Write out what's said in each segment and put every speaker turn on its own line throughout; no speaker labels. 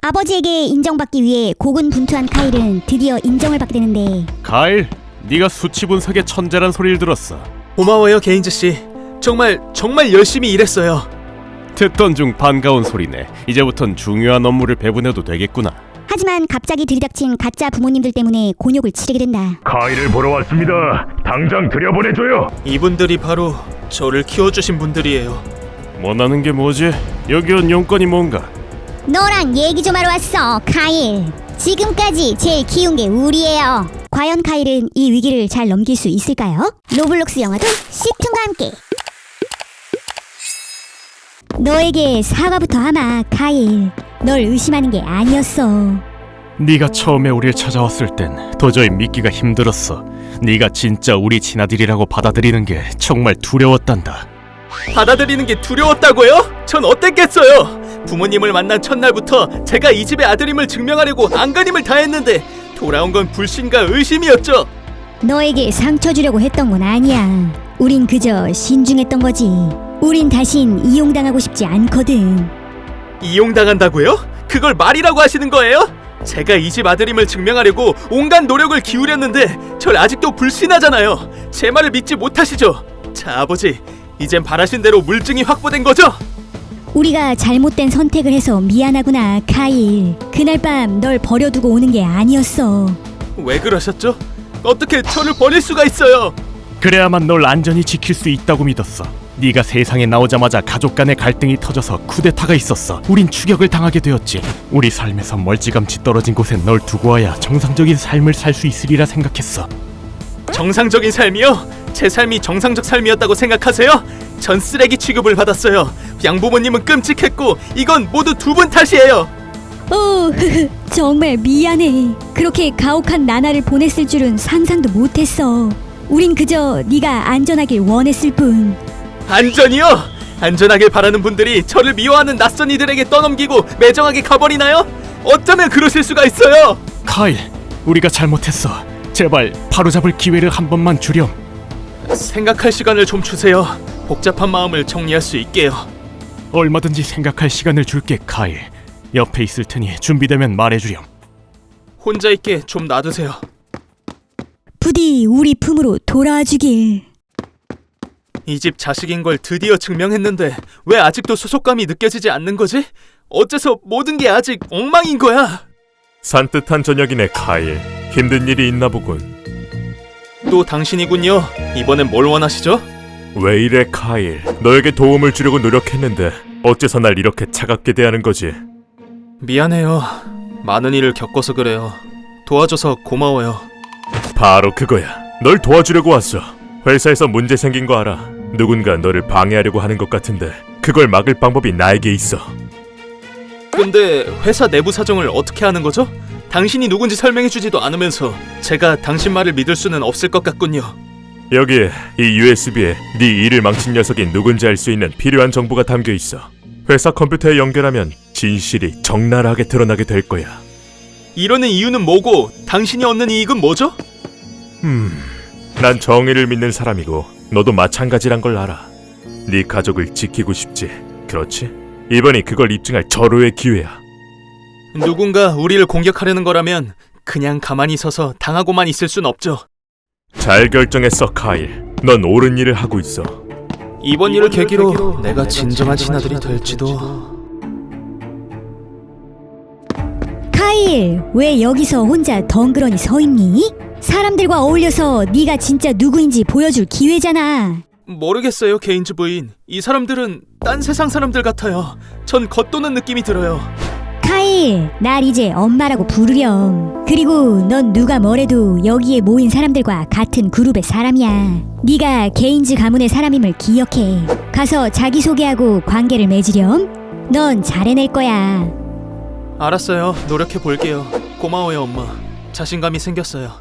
아버지에게 인정받기 위해 고군분투한 카일은 드디어 인정을 받게 되는데
카일, 네가 수치 분석의 천재란 소리를 들었어.
고마워요, 게인즈 씨. 정말 열심히 일했어요.
듣던 중 반가운 소리네. 이제부턴 중요한 업무를 배분해도 되겠구나.
하지만 갑자기 들이닥친 가짜 부모님들 때문에 곤욕을 치르게 된다.
카일을 보러 왔습니다. 당장 들여보내줘요.
이분들이 바로 저를 키워주신 분들이에요.
원하는 게 뭐지? 여기 온 용건이 뭔가?
너랑 얘기 좀 하러 왔어, 카일. 지금까지 제일 키운 게 우리예요. 과연 카일은 이 위기를 잘 넘길 수 있을까요? 로블록스 영화도 시툰과 함께. 너에게 사과부터 하마, 카일. 널 의심하는 게 아니었어.
네가 처음에 우릴 찾아왔을 땐 도저히 믿기가 힘들었어. 네가 진짜 우리 친아들이라고 받아들이는 게 정말 두려웠단다.
받아들이는 게 두려웠다고요? 전 어땠겠어요? 부모님을 만난 첫날부터 제가 이 집의 아들임을 증명하려고 안간힘을 다했는데 돌아온 건 불신과 의심이었죠.
너에게 상처 주려고 했던 건 아니야. 우린 그저 신중했던 거지. 우린 다신 이용당하고 싶지 않거든.
이용당한다고요? 그걸 말이라고 하시는 거예요? 제가 이 집 아들임을 증명하려고 온갖 노력을 기울였는데 절 아직도 불신하잖아요. 제 말을 믿지 못하시죠? 자, 아버지, 이젠 바라신 대로 물증이 확보된 거죠?
우리가 잘못된 선택을 해서 미안하구나, 카일. 그날 밤 널 버려두고 오는 게 아니었어.
왜 그러셨죠? 어떻게 저를 버릴 수가 있어요?
그래야만 널 안전히 지킬 수 있다고 믿었어. 네가 세상에 나오자마자 가족 간의 갈등이 터져서 쿠데타가 있었어. 우린 추격을 당하게 되었지. 우리 삶에서 멀찌감치 떨어진 곳에 널 두고 와야 정상적인 삶을 살 수 있으리라 생각했어.
정상적인 삶이요? 제 삶이 정상적 삶이었다고 생각하세요? 전 쓰레기 취급을 받았어요. 양부모님은 끔찍했고 이건 모두 두 분 탓이에요.
정말 미안해. 그렇게 가혹한 나날을 보냈을 줄은 상상도 못했어. 우린 그저 네가 안전하길 원했을 뿐.
안전이요? 안전하길 바라는 분들이 저를 미워하는 낯선 이들에게 떠넘기고 매정하게 가버리나요? 어쩌면 그러실 수가 있어요.
카일, 우리가 잘못했어. 제발 바로잡을 기회를 한 번만 주렴.
생각할 시간을 좀 주세요. 복잡한 마음을 정리할 수 있게요.
얼마든지 생각할 시간을 줄게, 카일. 옆에 있을 테니 준비되면 말해주렴.
혼자 있게 좀 놔두세요.
부디 우리 품으로 돌아와 주길.
이 집 자식인 걸 드디어 증명했는데 왜 아직도 소속감이 느껴지지 않는 거지? 어째서 모든 게 아직 엉망인 거야?
산뜻한 저녁이네, 카일. 힘든 일이 있나 보군.
또 당신이군요. 이번엔 뭘 원하시죠?
왜 이래, 카일. 너에게 도움을 주려고 노력했는데 어째서 날 이렇게 차갑게 대하는 거지?
미안해요. 많은 일을 겪어서 그래요. 도와줘서 고마워요.
바로 그거야. 널 도와주려고 왔어. 회사에서 문제 생긴 거 알아. 누군가 너를 방해하려고 하는 것 같은데 그걸 막을 방법이 나에게 있어.
근데 회사 내부 사정을 어떻게 아는 거죠? 당신이 누군지 설명해주지도 않으면서 제가 당신 말을 믿을 수는 없을 것 같군요.
여기에 이 USB에 네 일을 망친 녀석이 누군지 알 수 있는 필요한 정보가 담겨 있어. 회사 컴퓨터에 연결하면 진실이 적나라하게 드러나게 될 거야.
이러는 이유는 뭐고 당신이 얻는 이익은 뭐죠?
난 정의를 믿는 사람이고 너도 마찬가지란 걸 알아. 네 가족을 지키고 싶지, 그렇지? 이번이 그걸 입증할 절호의 기회야.
누군가 우리를 공격하려는 거라면 그냥 가만히 서서 당하고만 있을 순 없죠.
잘 결정했어, 카일. 넌 옳은 일을 하고 있어.
이번 일을 계기로 내가 진정한 친아들이 될지도.
카일, 왜 여기서 혼자 덩그러니 서 있니? 사람들과 어울려서 네가 진짜 누구인지 보여줄 기회잖아.
모르겠어요, 게인즈 부인. 이 사람들은 딴 세상 사람들 같아요. 전 겉도는 느낌이 들어요.
카일, 날 이제 엄마라고 부르렴. 그리고 넌 누가 뭐래도 여기에 모인 사람들과 같은 그룹의 사람이야. 네가 게인즈 가문의 사람임을 기억해. 가서 자기소개하고 관계를 맺으렴. 넌 잘해낼 거야.
알았어요. 노력해 볼게요. 고마워요, 엄마. 자신감이 생겼어요.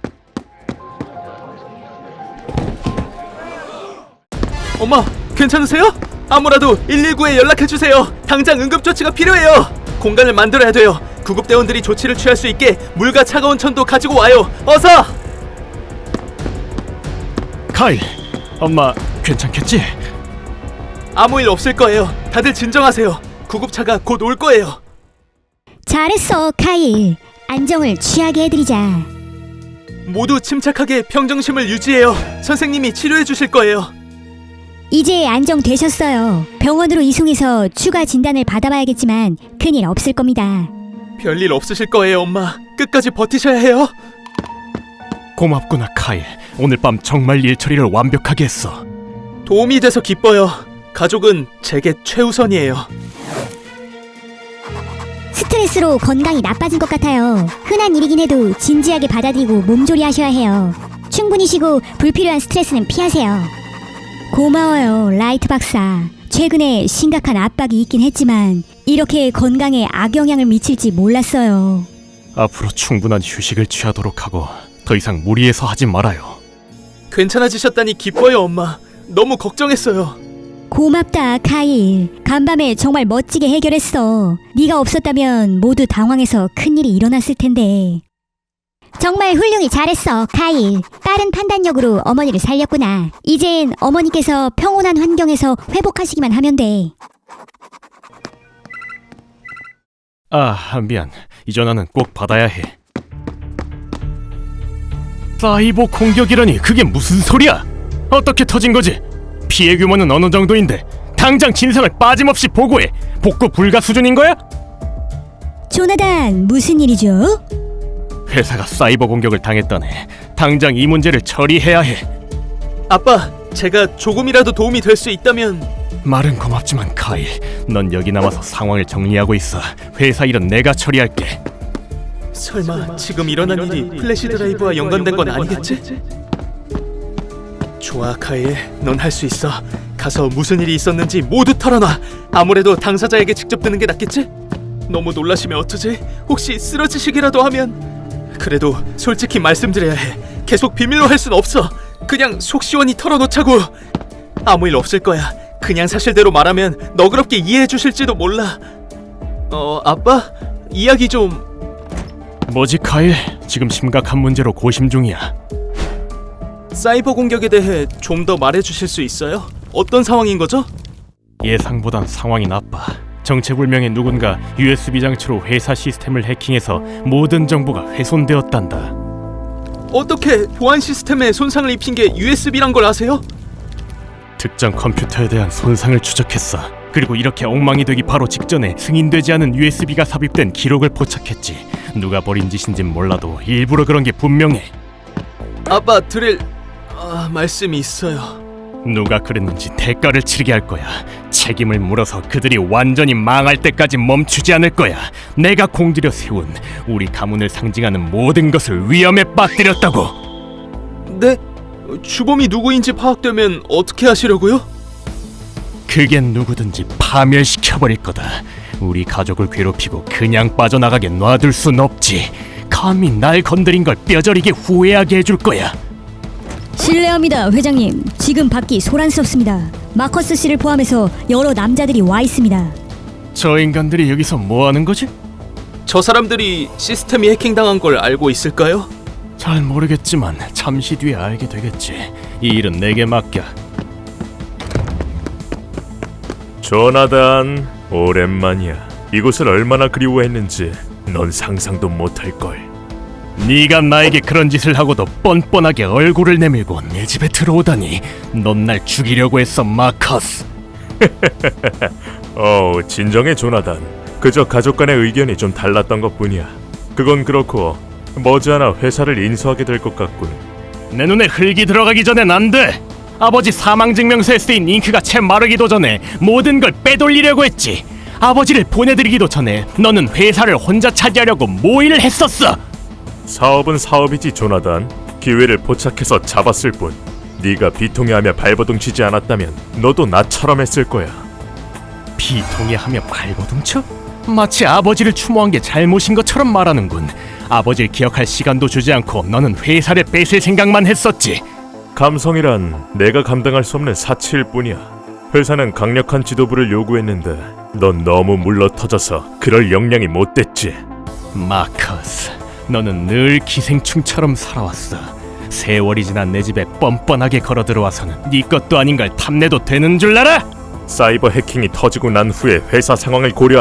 엄마, 괜찮으세요? 아무라도 119에 연락해주세요. 당장 응급조치가 필요해요. 공간을 만들어야 돼요. 구급대원들이 조치를 취할 수 있게 물과 차가운 천도 가지고 와요. 어서!
카일, 엄마 괜찮겠지?
아무 일 없을 거예요. 다들 진정하세요. 구급차가 곧 올 거예요.
잘했어, 카일. 안정을 취하게 해드리자.
모두 침착하게 평정심을 유지해요. 선생님이 치료해 주실 거예요.
이제 안정되셨어요. 병원으로 이송해서 추가 진단을 받아봐야겠지만 큰일 없을 겁니다.
별일 없으실 거예요, 엄마. 끝까지 버티셔야 해요.
고맙구나 카일. 오늘 밤 정말 일 처리를 완벽하게 했어.
도움이 돼서 기뻐요. 가족은 제게 최우선이에요.
스트레스로 건강이 나빠진 것 같아요. 흔한 일이긴 해도 진지하게 받아들이고 몸조리 하셔야 해요. 충분히 쉬고 불필요한 스트레스는 피하세요. 고마워요, 라이트 박사. 최근에 심각한 압박이 있긴 했지만 이렇게 건강에 악영향을 미칠지 몰랐어요.
앞으로 충분한 휴식을 취하도록 하고 더 이상 무리해서 하지 말아요.
괜찮아지셨다니 기뻐요, 엄마. 너무 걱정했어요.
고맙다, 카일. 간밤에 정말 멋지게 해결했어. 네가 없었다면 모두 당황해서 큰일이 일어났을 텐데. 정말 훌륭히 잘했어, 카일. 빠른 판단력으로 어머니를 살렸구나. 이젠 어머니께서 평온한 환경에서 회복하시기만 하면 돼.
미안. 이 전화는 꼭 받아야 해. 사이버 공격이라니 그게 무슨 소리야? 어떻게 터진 거지? 피해 규모는 어느 정도인데 당장 진상을 빠짐없이 보고해. 복구 불가 수준인 거야?
조나단, 무슨 일이죠?
회사가 사이버 공격을 당했다네. 당장 이 문제를 처리해야 해.
아빠, 제가 조금이라도 도움이 될 수 있다면...
말은 고맙지만 카일, 넌 여기 남아서 상황을 정리하고 있어. 회사 일은 내가 처리할게.
설마 지금 일어난 일이 플래시 드라이브와 연관된 건 아니겠지? 좋아, 카일. 넌 할 수 있어. 가서 무슨 일이 있었는지 모두 털어놔. 아무래도 당사자에게 직접 듣는 게 낫겠지? 너무 놀라시면 어쩌지? 혹시 쓰러지시기라도 하면... 그래도 솔직히 말씀드려야 해. 계속 비밀로 할 순 없어. 그냥 속 시원히 털어놓자고. 아무 일 없을 거야. 그냥 사실대로 말하면 너그럽게 이해해 주실지도 몰라. 아빠? 이야기 좀...
뭐지 카일? 지금 심각한 문제로 고심 중이야.
사이버 공격에 대해 좀 더 말해 주실 수 있어요? 어떤 상황인 거죠?
예상보단 상황이 나빠. 정체불명의 누군가 USB 장치로 회사 시스템을 해킹해서 모든 정보가 훼손되었단다.
어떻게 보안 시스템에 손상을 입힌 게 USB란 걸 아세요?
특정 컴퓨터에 대한 손상을 추적했어. 그리고 이렇게 엉망이 되기 바로 직전에 승인되지 않은 USB가 삽입된 기록을 포착했지. 누가 버린 짓인진 몰라도 일부러 그런 게 분명해.
아빠 드릴 말씀이 있어요.
누가 그랬는지 대가를 치르게 할 거야. 책임을 물어서 그들이 완전히 망할 때까지 멈추지 않을 거야. 내가 공들여 세운 우리 가문을 상징하는 모든 것을 위험에 빠뜨렸다고.
네? 주범이 누구인지 파악되면 어떻게 하시려고요?
그게 누구든지 파멸시켜버릴 거다. 우리 가족을 괴롭히고 그냥 빠져나가게 놔둘 순 없지. 감히 날 건드린 걸 뼈저리게 후회하게 해줄 거야.
실례합니다, 회장님. 지금 밖이 소란스럽습니다. 마커스 씨를 포함해서 여러 남자들이 와 있습니다.
저 인간들이 여기서 뭐 하는 거지?
저 사람들이 시스템이 해킹당한 걸 알고 있을까요?
잘 모르겠지만 잠시 뒤에 알게 되겠지. 이 일은 내게 맡겨.
조나단, 오랜만이야. 이곳을 얼마나 그리워했는지 넌 상상도 못할걸.
네가 나에게 그런 짓을 하고도 뻔뻔하게 얼굴을 내밀고 내 집에 들어오다니. 넌 날 죽이려고 했어, 마커스.
진정해 조나단. 그저 가족 간의 의견이 좀 달랐던 것뿐이야. 그건 그렇고 머지않아 회사를 인수하게 될 것 같군.
내 눈에 흙이 들어가기 전엔 안 돼. 아버지 사망증명서에 쓰인 잉크가 채 마르기도 전에 모든 걸 빼돌리려고 했지. 아버지를 보내드리기도 전에 너는 회사를 혼자 차지하려고 모의를 했었어.
사업은 사업이지 조나단. 기회를 포착해서 잡았을 뿐. 네가 비통해하며 발버둥 치지 않았다면 너도 나처럼 했을 거야.
비통해하며 발버둥 쳐? 마치 아버지를 추모한 게 잘못인 것처럼 말하는군. 아버지를 기억할 시간도 주지 않고 너는 회사를 뺏을 생각만 했었지.
감성이란 내가 감당할 수 없는 사치일 뿐이야. 회사는 강력한 지도부를 요구했는데 넌 너무 물러터져서 그럴 역량이 못 됐지.
마커스, 너는 늘 기생충처럼 살아왔어. 세월이 지난 내 집에 뻔뻔하게 걸어 들어와서는 네 것도 아닌 걸 탐내도 되는 줄 알아?
사이버 해킹이 터지고 난 후에 회사 상황을 고려하면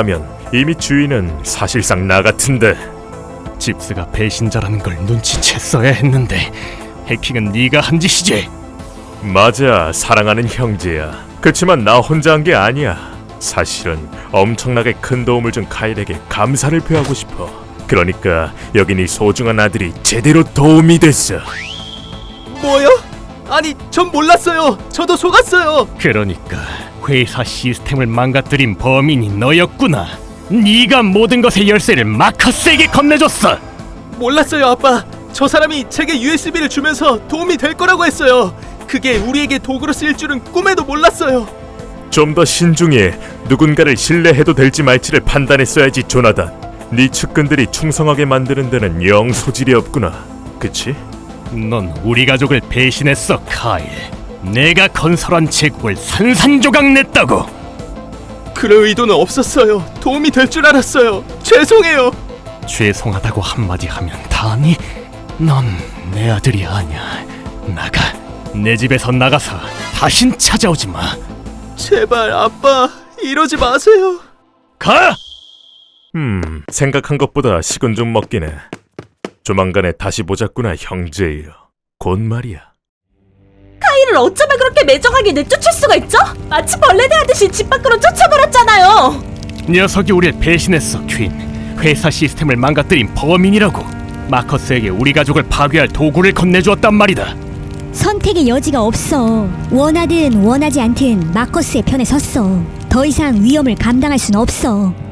이미 주인은 사실상 나 같은데.
집스가 배신자라는 걸 눈치챘어야 했는데 해킹은 네가 한 짓이지.
맞아, 사랑하는 형제야. 그치만 나 혼자 한 게 아니야. 사실은 엄청나게 큰 도움을 준 카일에게 감사를 표하고 싶어. 그러니까 여기 네 소중한 아들이 제대로 도움이 됐어.
뭐요? 아니, 전 몰랐어요. 저도 속았어요.
그러니까 회사 시스템을 망가뜨린 범인이 너였구나. 네가 모든 것의 열쇠를 마커스에게 건네줬어.
몰랐어요, 아빠. 저 사람이 제게 USB를 주면서 도움이 될 거라고 했어요. 그게 우리에게 도구로 쓰일 줄은 꿈에도 몰랐어요.
좀 더 신중해. 누군가를 신뢰해도 될지 말지를 판단했어야지, 조나단. 네 측근들이 충성하게 만드는 데는 영 소질이 없구나. 그치?
넌 우리 가족을 배신했어, 카일. 내가 건설한 제국을 산산조각 냈다고.
그럴 의도는 없었어요. 도움이 될 줄 알았어요. 죄송해요.
죄송하다고 한마디 하면 다니? 넌 내 아들이 아니야. 나가. 내 집에서 나가서 다신 찾아오지 마.
제발 아빠, 이러지 마세요.
가!
생각한 것보다 식은 좀 먹긴 해. 조만간에 다시 보자꾸나, 형제여. 곧 말이야.
카일을 어쩌면 그렇게 매정하게 내쫓을 수가 있죠? 마치 벌레 대하듯이 집 밖으로 쫓아버렸잖아요.
녀석이 우릴 배신했어, 퀸. 회사 시스템을 망가뜨린 범인이라고. 마커스에게 우리 가족을 파괴할 도구를 건네주었단 말이다.
선택의 여지가 없어. 원하든 원하지 않든 마커스의 편에 섰어. 더 이상 위험을 감당할 순 없어.